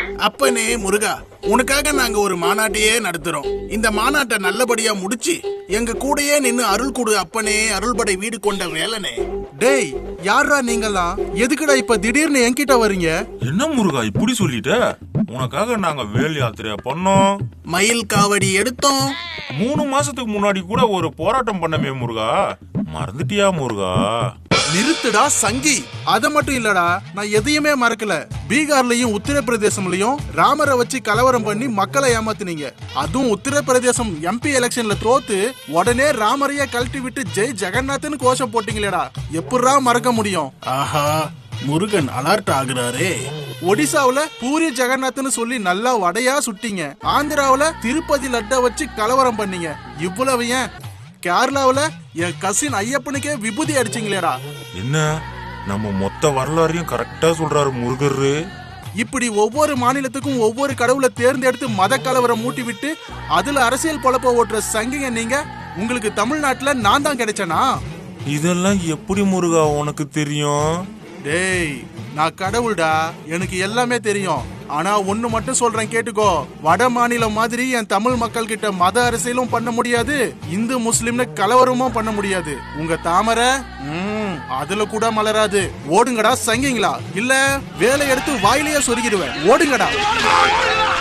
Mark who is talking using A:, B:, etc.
A: அப்பனே முருகா, உனக்காக நாங்க ஒரு மாநாட்டையே நடத்துறோம். இந்த மாநாட்டை நல்லபடியா முடிச்சு எங்க கூடயே நின்னு அருள் கொடு அப்பனே, அருள்படை வீடு கொண்ட வேலனே.
B: டேய், யாரா நீங்களாம்? எதுக்குடா இப்ப திடீர்னு என்கிட்ட வரீங்க?
C: என்ன முருகா இப்படி சொல்லிட்ட? உனக்காக நாங்க வேல் யாத்திரையா பண்ணோம்,
A: மயில் காவடி எடுத்தோம்.
C: 3 மாசத்துக்கு முன்னாடி கூட ஒரு போராட்டம் பண்ணமே முருகா, மறந்துட்டியா முருகா?
B: நிறுத்துடா சங்கி. அத மட்டும் இல்லடா, நான் எதையுமே மறக்கல. பீகார்லயும் உத்தரப்பிரதேசம்லயும் ராமரை வச்சு கலவரம் பண்ணி மக்களை ஏமாத்தினீங்க. அதுவும் உத்தரப்பிரதேசம் MP எலெக்ஷன்ல தோத்து உடனே ராமரைய கழட்டி விட்டு ஜெய் ஜெகநாத்னு கோஷம் போட்டீங்களேடா, எப்படா மறக்க முடியும்?
A: ஆஹா, முருகன் அலர்ட் ஆகுறாரே.
B: ஒடிசாவுல பூரி ஜெகநாத்னு சொல்லி நல்லா வடையா சுட்டீங்க. ஆந்திராவுல திருப்பதி லட்ட வச்சு கலவரம் பண்ணீங்க. இவ்வளவு ஏன் கேரளாவுல என் கசின் ஐயப்பனுக்கே விபூதி அடிச்சிங்களேடா.
C: என்ன நம்ம மொத்த வரலாறையும் கரெக்டா சொல்றாரு முருகரு.
B: இப்படி ஒவ்வொரு மாநிலத்துக்கும் ஒவ்வொரு கடவுளை தேர்ந்தெடுத்து மத கலவரம் மூட்டி விட்டு அதுல அரசியல் பொழப்ப ஓட்டுற சங்கிங்க நீங்க. உங்களுக்கு தமிழ்நாட்டுல நான் தான் கிடைச்சனா?
C: இதெல்லாம் எப்படி முருகா உனக்கு தெரியும்?
B: டேய், நான் கடவுள்டா, எனக்கு எல்லாமே தெரியும். ஆனா ஒண்ணு மட்டும் சொல்றேன் கேட்டுக்கோ. வட மாநிலம் மாதிரி என் தமிழ் மக்கள் கிட்ட மத அரசியலும் பண்ண முடியாது, இந்து முஸ்லிம்னு கலவரமும் பண்ண முடியாது. உங்க தாமரை அதுல கூட மலராது. ஓடுங்கடா சங்கிங்களா, இல்ல வேலை எடுத்து வாயிலேயே சொருகிடுவேன். ஓடுங்கடா.